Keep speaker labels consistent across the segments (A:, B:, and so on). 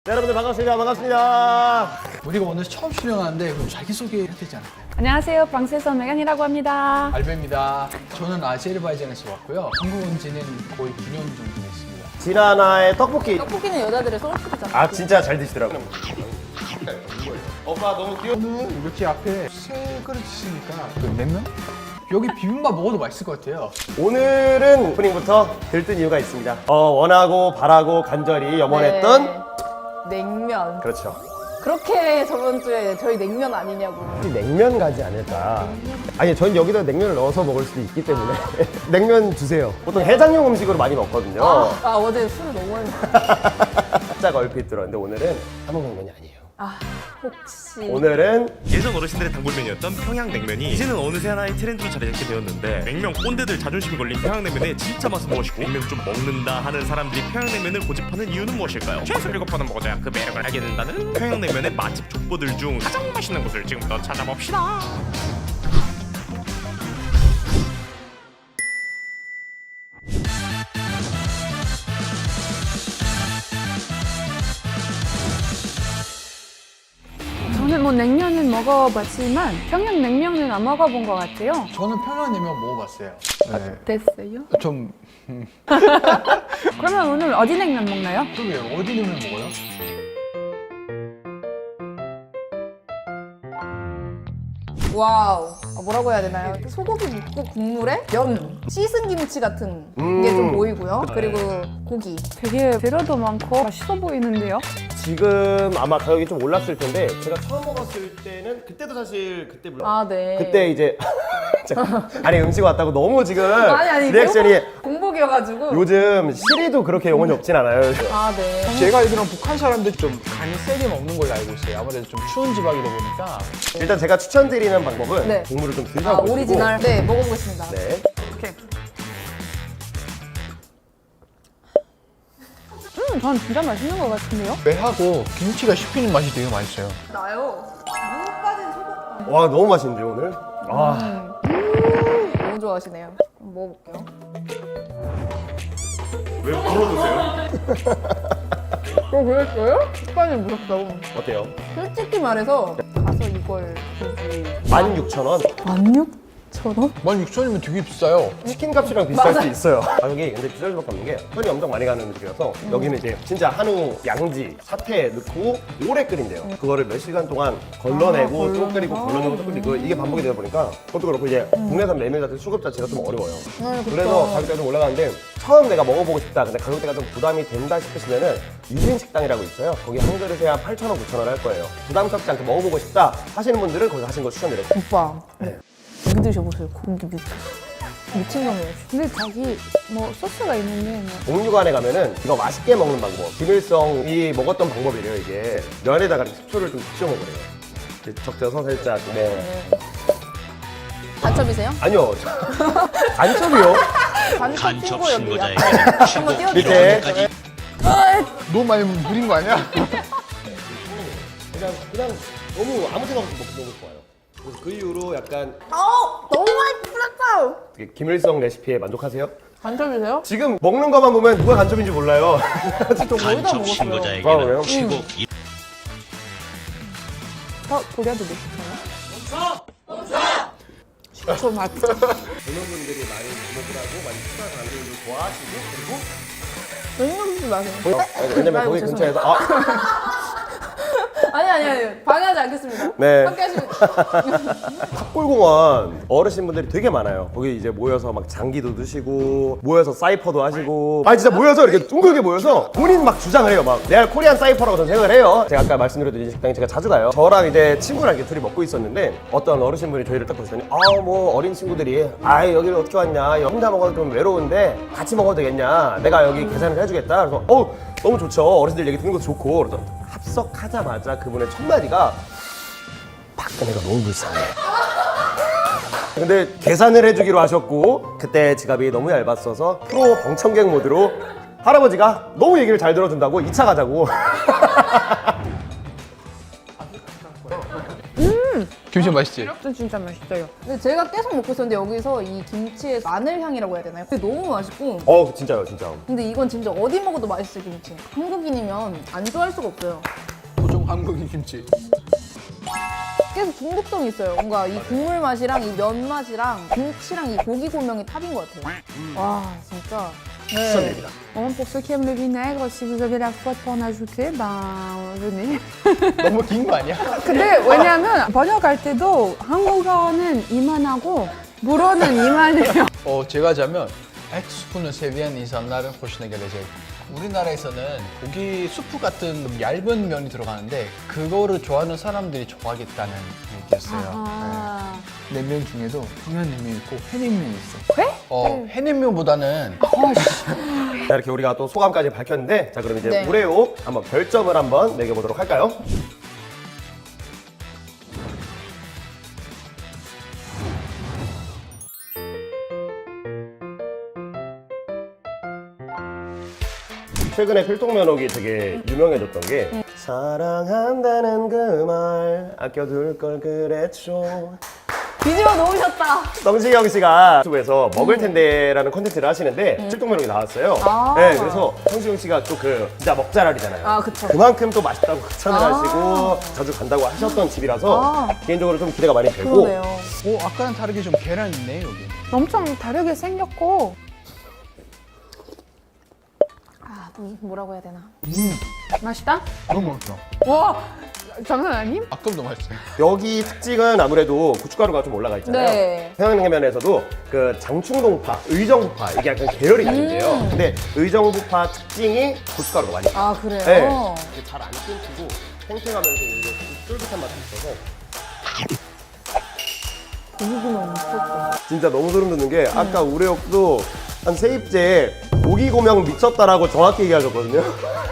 A: 네, 여러분들 반갑습니다. 반갑습니다.
B: 우리가 오늘 처음 출연하는데 그럼 자기소개 해야 되지 않을까요?
C: 안녕하세요. 프랑스에서 메간이라고 합니다.
B: 알베입니다. 저는 아제르바이잔에서 왔고요. 한국 온 지는 거의 9년 정도 됐습니다.
A: 지나나의 떡볶이.
C: 떡볶이는 여자들의 소울푸드잖아요.
A: 아, 진짜 잘 드시더라고요. 오빠 너무 귀여워.
B: 오늘 이렇게 앞에 세 그릇 있으니까 그 냉면? 여기 비빔밥 먹어도 맛있을 것 같아요.
A: 오늘은 오프닝부터 들뜬 이유가 있습니다. 원하고 바라고 간절히 염원했던
C: 네. 냉면.
A: 그렇죠.
C: 그렇게 저번 주에 저희 냉면 아니냐고.
A: 냉면 가지 않을까. 아니, 전 여기다 냉면을 넣어서 먹을 수도 있기 때문에 냉면 주세요. 보통 해장용 음식으로 많이 먹거든요.
C: 아 어제 술을 너무 많이 먹었어요.
A: 살짝 얼핏 들었는데 오늘은 함흥냉면이 아니에요.
C: 아 혹시
A: 오늘은
D: 예전 어르신들의 단골메뉴였던 평양냉면이 이제는 어느새 하나의 트렌드로 자리 잡게 되었는데 냉면 꼰대들 자존심이 걸린 평양냉면의 진짜 맛은 무엇이고 냉면 좀 먹는다 하는 사람들이 평양냉면을 고집하는 이유는 무엇일까요? 최소 7번은 먹어줘야 그 매력을 알게 된다는 평양냉면의 맛집 족보들 중 가장 맛있는 곳을 지금부터 찾아봅시다.
C: 저는 뭐 냉면은 먹어봤지만 평양냉면은 안 먹어본 것 같아요.
B: 저는 평양냉면 먹어봤어요. 네.
C: 됐어요?
B: 좀
C: 그러면 오늘 어디 냉면 먹나요?
B: 그러게요. 어디 냉면 먹어요?
C: 와우. 뭐라고 해야 되나요? 소고기 묵고 국물에 면, 씻은 김치 같은 게 좀 보이고요. 그리고 고기. 되게 재료도 많고 맛있어 보이는데요?
A: 지금 아마 가격이 좀 올랐을 텐데 제가 처음 먹었을 때는 그때도 사실 그때 물론
C: 아 네.
A: 그때 이제 잠깐. 아니 음식 왔다고 너무 지금
C: 아니
A: 리액션이
C: 공복이어가지고.
A: 요즘 시리도 그렇게 영혼이 없진 않아요.
C: 아 네.
B: 제가 알기로는 북한 사람들 좀 간이 세게 먹는 걸로 알고 있어요. 아무래도 좀 추운 지방이다 보니까.
A: 일단 제가 추천드리는 방법은
C: 네.
A: 국물을 좀
C: 아
A: 드셔보시고
C: 오리지널. 네 먹어보겠습니다.
A: 네.
C: 오케이. 전 진짜 맛있는 것 같은데요?
B: 매하고 김치가 씹히는 맛이 되게 맛있어요.
C: 나요. 무 빠진 소금.
A: 와 너무 맛있는데 오늘. 아
C: 너무 좋아하시네요. 먹어볼게요.
D: 왜 물어보세요?
C: 그랬어요? 식감이 무섭다고.
A: 어때요?
C: 솔직히 말해서 가서 이걸 굳이
A: 16,000원.
C: 16,000원?
B: 16,000원이면 되게 비싸요.
A: 치킨 값이랑 비쌀
C: 맞아.
A: 수 있어요. 가격이 근데 비쌀 수밖에 없는 게 손이 엄청 많이 가는 음식이라서 여기는 이제 진짜 한우 양지 사태 넣고 오래 끓인대요. 그거를 몇 시간 동안 걸러내고 또 끓이고 걸러내고 또 끓이고 이게 반복이 되다 보니까 그것도 그렇고 이제 국내산 메밀 자체 수급 자체가 좀 어려워요. 그래서 가격대가 좀 올라가는데 처음 내가 먹어보고 싶다 근데 가격대가 좀 부담이 된다 싶으시면은 유진식당이라고 있어요. 거기 한 그릇에 한 8,000원, 9,000원 할 거예요. 부담스럽지 않게 먹어보고 싶다 하시는 분들은 거기 가시는 거 추천드려요.
C: 오빠. 고기 드셔보세요. 고기 미친 놈이에요. 근데 자기 뭐 소스가 있는데 뭐.
A: 옥류관에 가면은 이거 맛있게 먹는 방법, 김일성이 먹었던 방법이래요. 이게 면에다가 식초를 좀 적셔 먹으래요. 이렇게 적셔서 살짝 네.
C: 간첩이세요?
A: 아니요. 간첩이요?
C: 간첩 친구 여기
E: 신고자에게
C: 한번 띄워주세요.
A: 밑에
B: 너무 많이 부린 거 아니야?
A: 그냥 너무 아무 생각 없이 먹는 거 좋아요. 그래서 그 이후로 약간
C: 너무 많이 풀렸어요.
A: 되게 김일성 레시피에 만족하세요?
C: 간첩이세요?
A: 지금 먹는 것만 보면 누가 간첩인지 몰라요.
C: 저 거의 다
E: 간첩
C: 먹었어요.
A: 아, 그래요?
E: 신고자에게는 최고
C: 고려도 드시나요? 저 맛.
A: 젊은 분들이 많이 주목을 하고 많이 추가하는 분들도 좋아하시고 그리고
C: 냉면도 마세요.
A: 왜냐면
C: 아이고,
A: 거기
C: 죄송해요.
A: 근처에서
C: 아니 방해하지 않겠습니다.
A: 네.
C: 함께 하시면.
A: 탑골공원 어르신분들이 되게 많아요. 거기 이제 모여서 막 장기도 드시고 모여서 사이퍼도 하시고 아니 진짜 모여서 이렇게 둥글게 모여서 본인 막 주장을 해요. 막 레알 코리안 사이퍼라고 저는 생각을 해요. 제가 아까 말씀드렸던 이 식당에 제가 자주 가요. 저랑 이제 친구랑 이렇게 둘이 먹고 있었는데 어떤 어르신분이 저희를 딱 보시더니 뭐 어린 친구들이 여기를 어떻게 왔냐 혼자 먹어도 좀 외로운데 같이 먹어도 되겠냐 내가 여기 계산을 해주겠다. 그래서 너무 좋죠. 어르신들 얘기 듣는 것도 좋고 그래서 합석하자마자 그분의 첫 마디가 박근혜가 너무 불쌍해. 근데 계산을 해주기로 하셨고 그때 지갑이 너무 얇았어서 프로 방청객 모드로 할아버지가 너무 얘기를 잘 들어준다고 2차 가자고.
B: 김치 맛있지?
C: 진짜 맛있어요. 근데 제가 계속 먹고 있었는데 여기서 이 김치의 마늘 향이라고 해야 되나요? 그게 너무 맛있고.
A: 진짜요, 진짜.
C: 근데 이건 진짜 어디 먹어도 맛있어요, 김치. 한국인이면 안 좋아할 수가 없어요.
B: 보통 한국인 김치.
C: 계속 중독성이 있어요. 뭔가 이 국물 맛이랑 이 면 맛이랑 김치랑 이 고기 고명이 탑인 것 같아요. 와, 진짜.
A: 추천드립니다.
E: Bon, pour ceux qui aiment le vinaigre, si vous avez la foi pour en ajouter, ben venez.
B: 너무 긴 거 아니야?
E: 근데 왜냐면 번역할 때도 한국어는 이만하고 불어는 이만해요.
B: 제가 자면 et 수프는 세비한 insanların hoşuna gelecek. 우리나라에서는 고기 수프 같은 얇은 면이 들어가는데 그거를 좋아하는 사람들이 좋아하겠다는 얘기였어요.
E: 아,
B: 네. 냉면 중에도 평양냉면 있고 회냉면이 있어. 회? 회냉면보다는
A: 자, 이렇게 우리가 또 소감까지 밝혔는데, 자, 그럼 이제
C: 네.
A: 우레옥 한번 별점을 한번 매겨보도록 할까요? 최근에 필통면옥이 되게 유명해졌던 게 사랑한다는 그 말 아껴둘 걸 그랬죠.
C: 뒤집어 놓으셨다.
A: 성시경 씨가 유튜브에서 먹을 텐데라는 콘텐츠를 하시는데 필통면옥이 나왔어요.
C: 아.
A: 네, 그래서 성시경 씨가 또 그 진짜 먹자랄이잖아요.
C: 아, 그쵸.
A: 그만큼 또 맛있다고 극찬을
C: 아.
A: 하시고 자주 간다고 하셨던 집이라서
C: 아.
A: 개인적으로 좀 기대가 많이 되고.
C: 그러네요.
B: 아까랑 다르게 좀 계란 있네 여기.
E: 엄청 다르게 생겼고
C: 아, 뭐라고 해야 되나.
E: 맛있다?
B: 너무 맛있어.
E: 와, 장난 아님?
B: 아까보다 맛있어요.
A: 여기 특징은 아무래도 고춧가루가 좀 올라가 있잖아요.
C: 네.
A: 평양냉면에서도 그 장충동파, 의정부파 이게 약간 계열이 나는데요. 근데 의정부파 특징이 고춧가루가 많이 있어요.
C: 아, 그래요?
A: 네. 잘 안 끊기고 탱탱하면서 오히려 좀 쫄깃한 맛이 있어서
C: 고기구멍 미쳤다.
A: 진짜 너무 소름 돋는 게 아까 우레옥도 한 세입제 고기 고명 미쳤다라고 정확히 얘기하셨거든요.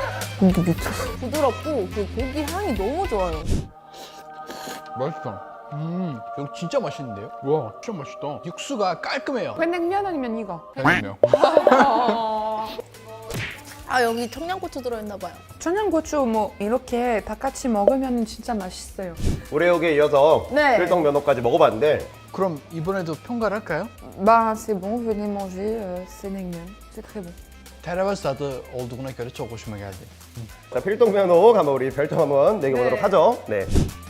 C: 부드럽고 그 고기 향이 너무 좋아요.
B: 맛있어. 여기 진짜 맛있는데요? 와, 진짜 맛있다. 육수가 깔끔해요.
E: 회냉면 아니면 이거?
B: 냉면.
C: 아, 여기 청양고추 들어있나 봐요.
E: 청양고추 뭐 이렇게 다 같이 먹으면 진짜 맛있어요.
A: 우레옥에 이어서
C: 네.
A: 필통면옥까지 먹어봤는데
B: 그럼 이번에도 평가를 할까요?
E: Bah c'est bon, venez manger, c'est 냉면, c'est très bon.
B: 테라바스 다드 olduğuna göre çok hoşuma geldi.
A: 자, 필통면옥 한번 우리 별점 한번 매겨보도록
C: 네.
A: 하죠. 네.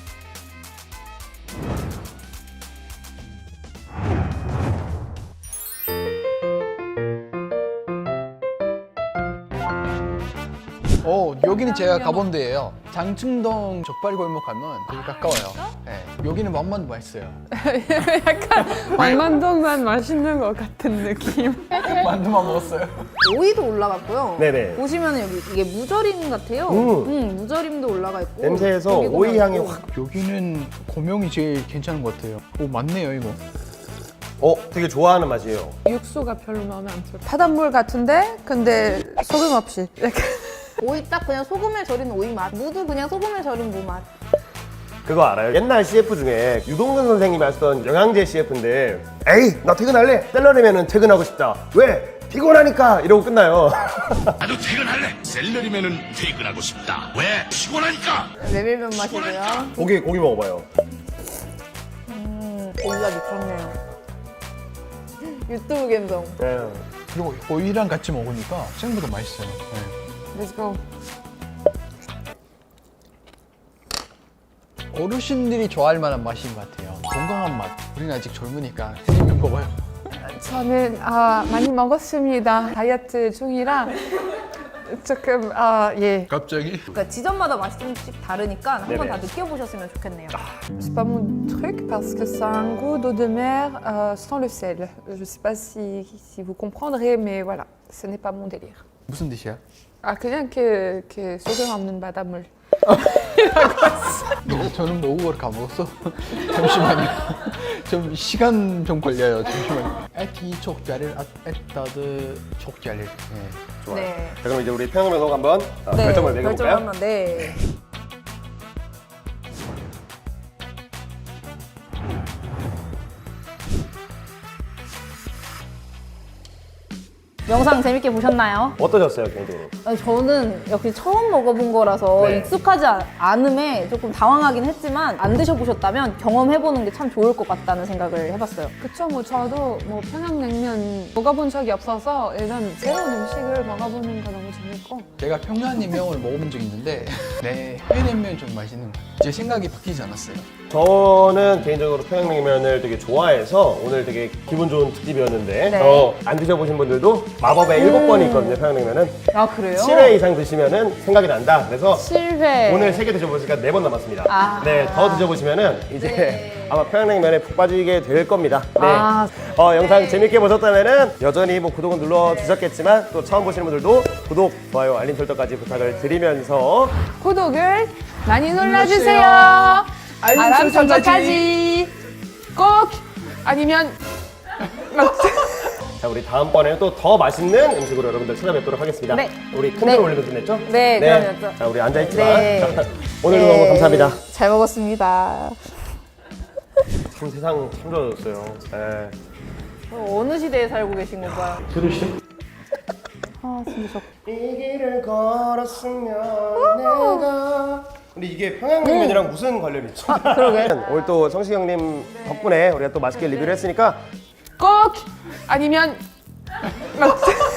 B: 여기는 제가 가본 데예요. 장충동 족발 골목 가면 되게 가까워요. 네. 여기는 맛만 맛있어요.
E: 왕만동만 맛있는 것 같은 느낌.
B: 만두만 먹었어요.
C: 오이도 올라갔고요.
A: 네네.
C: 보시면 여기 이게 무절임 같아요. 무절임도 올라가 있고.
A: 냄새에서
C: 고기
A: 오이 향이
C: 고명도.
A: 확.
B: 여기는 고명이 제일 괜찮은 것 같아요. 오, 맞네요, 이거.
A: 되게 좋아하는 맛이에요.
E: 육수가 별로 마음에 안 들어. 바닷물 같은데 근데 소금 없이. 약간
C: 오이 딱 그냥 소금에 절인 오이 맛. 무도 그냥 소금에 절인 무 맛.
A: 그거 알아요? 옛날 CF 중에 유동근 선생님이 하셨던 영양제 CF인데 에이 나 퇴근할래? 샐러리면은 퇴근하고 싶다. 왜? 피곤하니까 이러고 끝나요.
F: 나도 퇴근할래. 샐러리면은 퇴근하고 싶다. 왜? 피곤하니까.
C: 메밀면 맛이고요.
A: 고기 먹어봐요.
C: 고기가 미쳤네요. 유튜브 감성.
A: 네.
B: 그리고 오이랑 같이 먹으니까 생각보다 맛있어요. 네.
E: Let's go.
B: 어르신들이 좋아할 만한 맛인 것 같아요. 건강한 맛. 우리는 아직 젊으니까 해냉면 먹어요.
E: 저는 많이 먹었습니다. 다이어트 중이라 조금 예.
B: 갑자기?
C: 그러니까 지점마다 맛이 조금씩 다르니까 한번
A: 네네.
C: 다 느껴보셨으면 좋겠네요.
E: C'est pas mon truc parce que ça a un goût d'eau de mer sans le sel. Je sais pas si vous comprendrez, mais voilà, ce n'est pas mon délire.
B: 무슨 뜻이야?
E: 그냥 그 소금 없는 바닷물.
B: 저는 모국어를 까먹었어. 잠시만요. 좀 시간 좀 걸려요. 잠시만요. 에티 촉자를 에따드 촉자를. 네.
A: 좋아요.
C: 네.
A: 자, 그럼 이제 우리 평양면옥 한번 별점을
C: 별점
A: 매겨볼까요?
C: 한번 네. 영상 재밌게 보셨나요?
A: 어떠셨어요 개인적으로?
C: 저는 역시 처음 먹어본 거라서
A: 네.
C: 익숙하지 않음에 조금 당황하긴 했지만 안 드셔보셨다면 경험해보는 게 참 좋을 것 같다는 생각을 해봤어요.
E: 그쵸, 뭐 저도 뭐 평양냉면 먹어본 적이 없어서 일단 새로운 음식을 먹어보는 거 너무 재밌고.
B: 제가 평양냉면을 먹어본 적이 있는데 내 회냉면이 좀 맛있는 것 같아요. 제 생각이 바뀌지 않았어요.
A: 저는 개인적으로 평양냉면을 되게 좋아해서 오늘 되게 기분 좋은 특집이었는데
C: 네.
A: 안 드셔보신 분들도 마법의 7번이 있거든요 평양냉면은.
C: 아 그래요?
A: 7회 이상 드시면은 생각이 난다. 그래서
C: 7회.
A: 오늘 3개 드셔보시니까 4번 남았습니다.
C: 아.
A: 네, 더 드셔보시면은 이제 아마 평양냉면에 푹 빠지게 될 겁니다. 네.
C: 아.
A: 영상 재밌게 보셨다면은 여전히 뭐 구독은 눌러주셨겠지만 또 처음 보시는 분들도 구독, 좋아요, 알림 설정까지 부탁을 드리면서
E: 구독을 많이 눌러주세요. 알람 설정까지 꼭 아니면
A: 자, 우리 다음번에는 또 더 맛있는 음식으로 여러분들 찾아뵙도록 하겠습니다.
C: 네.
A: 우리 큰
C: 네.
A: 절 올리면 끝냈죠?
C: 네, 그럼요.
A: 자, 우리 앉아있지만
C: 네.
A: 오늘도
C: 네.
A: 너무 감사합니다.
C: 잘 먹었습니다.
A: 참 세상 참 좋아졌어요. 네.
C: 어느 시대에 살고 계신 건가요? 아 진짜 저
A: 이 길을 걸었으면 내가 근데 이게 평양냉면이랑 무슨 관련이 있죠?
C: 그러게.
A: 오늘 또 성식 형님 덕분에 우리가 또 맛있게 리뷰를 했으니까
E: 꼭 아니면